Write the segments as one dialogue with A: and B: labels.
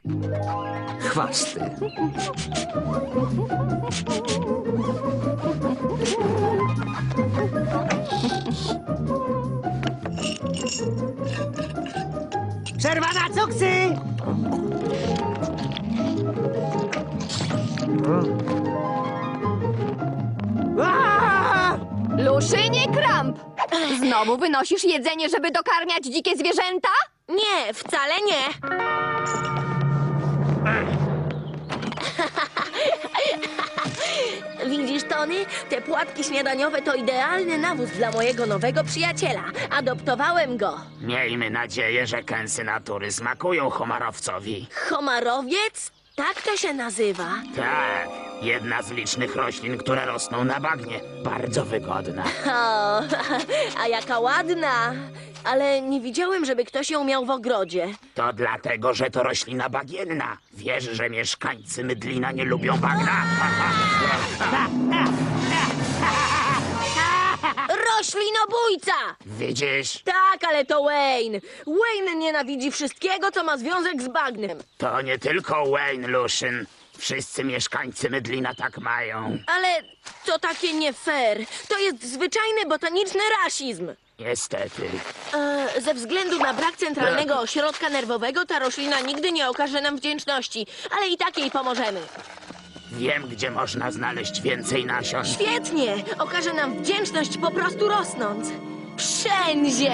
A: Chwasty.
B: Przerwa na cuksy!
C: Luszynie Kramp! Znowu wynosisz jedzenie, żeby dokarmiać dzikie zwierzęta?
D: Nie, wcale nie. Widzisz, Tony? Te płatki śniadaniowe to idealny nawóz dla mojego nowego przyjaciela. Adoptowałem go.
E: Miejmy nadzieję, że kęsy natury smakują homarowcowi.
D: Homarowiec? Tak to się nazywa.
E: Tak, jedna z licznych roślin, które rosną na bagnie. Bardzo wygodna.
D: O, a jaka ładna. Ale nie widziałem, żeby ktoś ją miał w ogrodzie.
E: To dlatego, że to roślina bagienna. Wiesz, że mieszkańcy Mydlina nie lubią bagna?
D: Roślinobójca!
E: Widzisz?
D: Tak, ale to Wayne. Wayne nienawidzi wszystkiego, co ma związek z bagnem.
E: To nie tylko Wayne Luszyn. Wszyscy mieszkańcy Mydlina tak mają.
D: Ale to takie nie fair. To jest zwyczajny botaniczny rasizm.
E: Niestety.
D: Ze względu na brak centralnego ośrodka nerwowego ta roślina nigdy nie okaże nam wdzięczności, ale i tak jej pomożemy.
E: Wiem, gdzie można znaleźć więcej nasion.
D: Świetnie! Okaże nam wdzięczność po prostu rosnąc. Wszędzie!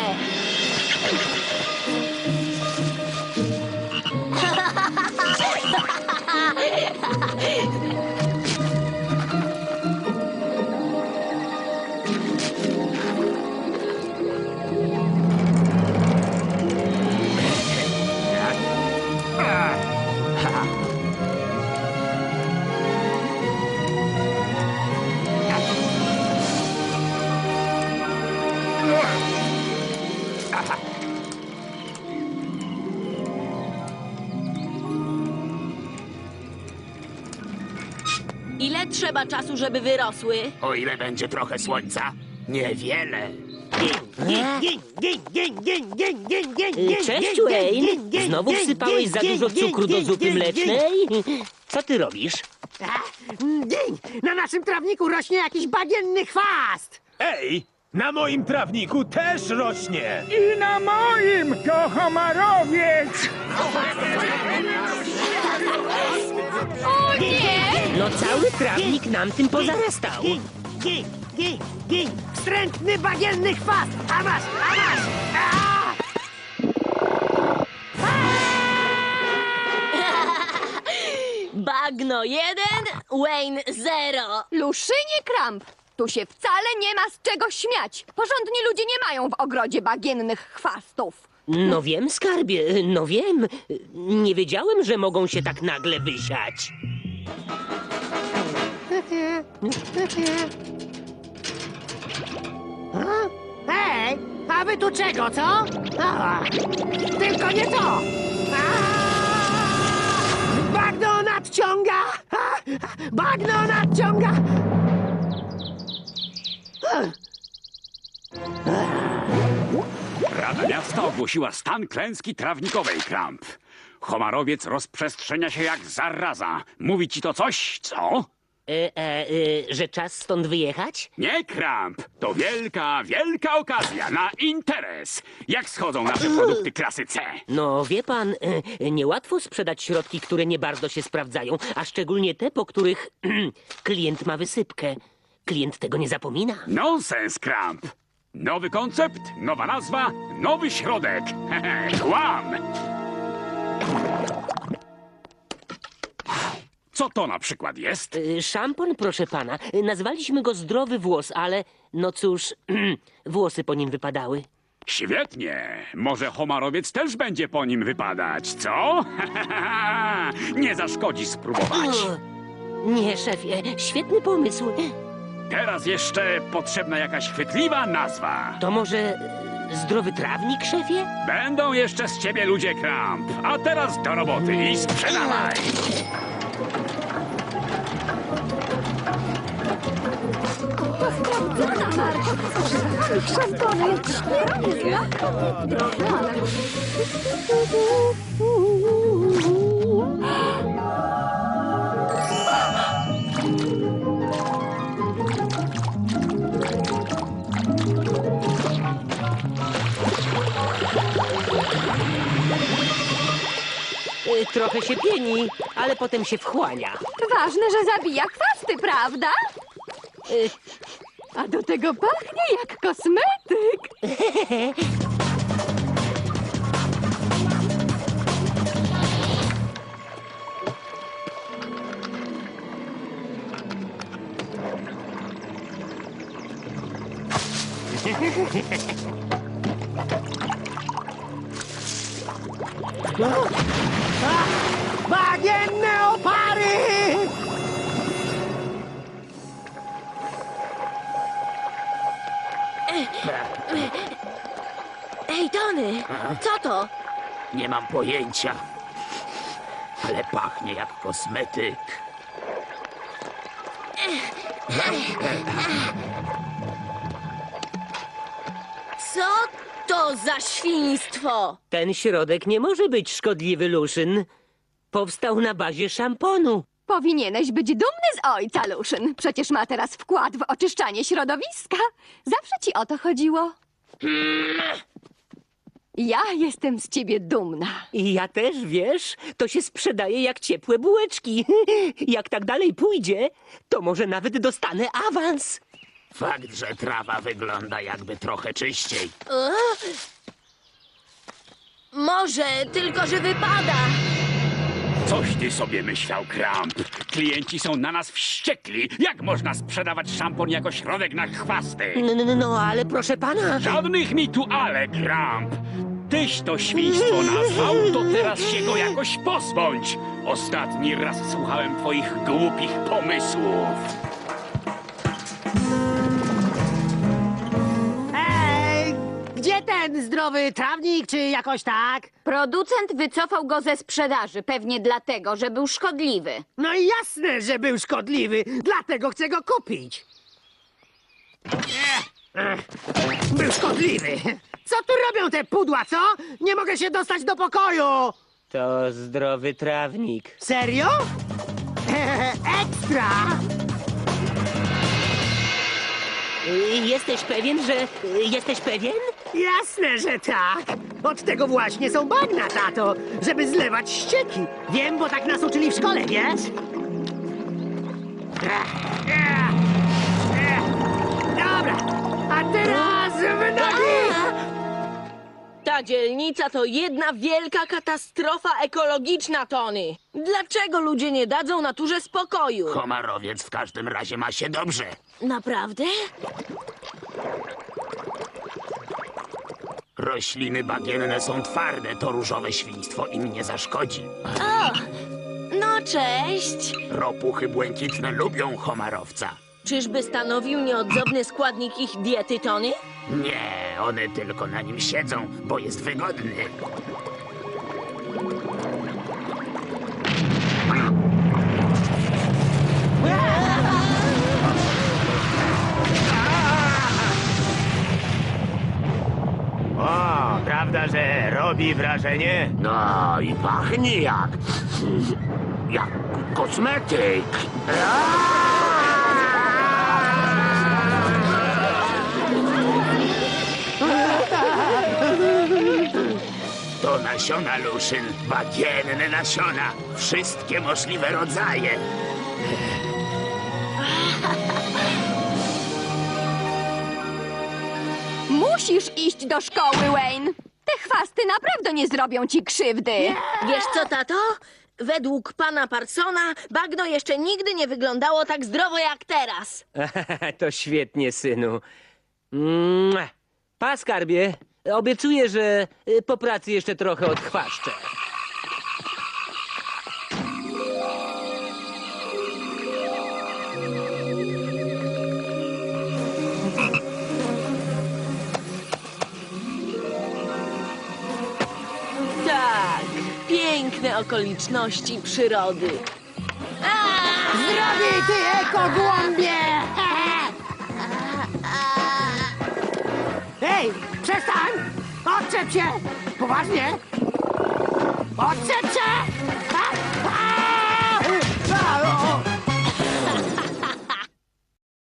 D: Ile trzeba czasu, żeby wyrosły?
E: O ile będzie trochę słońca? Niewiele.
F: Cześć, Wayne. Znowu wsypałeś za dużo cukru do zupy mlecznej? Co ty robisz?
B: Na naszym trawniku rośnie jakiś bagienny chwast!
G: Ej, na moim trawniku też rośnie.
H: I na moim to homarowiec!
C: O nie!
F: No cały trawnik nam tym pozarastał.
B: Wstrętny bagienny chwast! A masz! A!
D: Bagno 1, Wayne 0.
C: Luszynie Kramp! Tu się wcale nie ma z czego śmiać. Porządni ludzie nie mają w ogrodzie bagiennych chwastów.
F: No wiem, skarbie, no wiem. Nie wiedziałem, że mogą się tak nagle wysiać.
B: Hej, a wy tu czego, co? Tylko nie to! Bagno nadciąga! Bagno nadciąga!
I: Rada Miasta ogłosiła stan klęski trawnikowej, Kramp. Homarowiec rozprzestrzenia się jak zaraza. Mówi ci to coś, co?
F: Że czas stąd wyjechać?
I: Nie, Kramp. To wielka, wielka okazja na interes. Jak schodzą nasze produkty klasy C?
F: No wie pan, niełatwo sprzedać środki, które nie bardzo się sprawdzają, a szczególnie te, po których klient ma wysypkę. Klient tego nie zapomina.
I: Nonsens, Kramp. Nowy koncept, nowa nazwa, nowy środek. Kłam! Co to na przykład jest?
F: Szampon, proszę pana. Nazwaliśmy go Zdrowy Włos, ale no cóż, włosy po nim wypadały.
I: Świetnie. Może homarowiec też będzie po nim wypadać, co? Nie zaszkodzi spróbować.
F: Nie, szefie, świetny pomysł.
I: Teraz jeszcze potrzebna jakaś chwytliwa nazwa.
F: To może zdrowy trawnik, szefie?
I: Będą jeszcze z ciebie ludzie, Kramp. A teraz do roboty i sprzedawaj.
C: Sprawdzona marka. Szampony jak śmiertelnie.
F: Trochę się pieni, ale potem się wchłania.
C: Ważne, że zabija chwasty, prawda? A do tego pachnie jak kosmetyk.
B: Bagienne opary!
D: Ej, Tony, co to?
E: Nie mam pojęcia. Ale pachnie jak kosmetyk.
D: Co to za świństwo?
F: Ten środek nie może być szkodliwy, Luszyn. Powstał na bazie szamponu.
C: Powinieneś być dumny z ojca, Luszyn. Przecież ma teraz wkład w oczyszczanie środowiska. Zawsze ci o to chodziło. Ja jestem z ciebie dumna.
F: I ja też, wiesz, to się sprzedaje jak ciepłe bułeczki. Jak tak dalej pójdzie, to może nawet dostanę awans.
E: Fakt, że trawa wygląda jakby trochę czyściej.
D: Może, tylko że wypada.
I: Coś ty sobie myślał, Kramp. Klienci są na nas wściekli. Jak można sprzedawać szampon jako środek na chwasty?
F: No, ale proszę pana.
I: Żadnych mi tu ale, Kramp. Tyś to świństwo nazwał, to teraz się go jakoś pozbądź. Ostatni raz słuchałem twoich głupich pomysłów.
B: Ej, gdzie ten zdrowy trawnik, czy jakoś tak?
A: Producent wycofał go ze sprzedaży, pewnie dlatego, że był szkodliwy.
B: No i jasne, że był szkodliwy, dlatego chcę go kupić. Był szkodliwy. Co tu robią te pudła, co? Nie mogę się dostać do pokoju.
F: To zdrowy trawnik.
B: Serio? Ekstra!
F: Jesteś pewien, że... Jesteś pewien?
B: Jasne, że tak. Od tego właśnie są bagna, tato, żeby zlewać ścieki. Wiem, bo tak nas uczyli w szkole, wiesz? Dobra, a teraz w nogi!
D: Ta dzielnica to jedna wielka katastrofa ekologiczna, Tony. Dlaczego ludzie nie dadzą naturze spokoju?
E: Komarowiec w każdym razie ma się dobrze.
D: Naprawdę?
E: Rośliny bagienne są twarde, to różowe świństwo im nie zaszkodzi.
D: No cześć.
E: Ropuchy błękitne lubią homarowca.
D: Czyżby stanowił nieodzowny składnik ich diety, Tony?
E: Nie, one tylko na nim siedzą, bo jest wygodny.
G: O, prawda, że robi wrażenie?
E: No i pachnie jak kosmetyk. To nasiona, Luszyn, bagienne nasiona, wszystkie możliwe rodzaje.
C: Musisz iść do szkoły, Wayne. Te chwasty naprawdę nie zrobią ci krzywdy.
D: Wiesz co, tato? Według pana Parsona bagno jeszcze nigdy nie wyglądało tak zdrowo jak teraz.
F: To świetnie, synu. Mua. Pa, skarbie. Obiecuję, że po pracy jeszcze trochę odchwaszczę.
D: Tak, piękne okoliczności przyrody.
B: Zdrowie, ty ekogłąbie! Ej, przestań! Odczep się! Poważnie! Odczep się!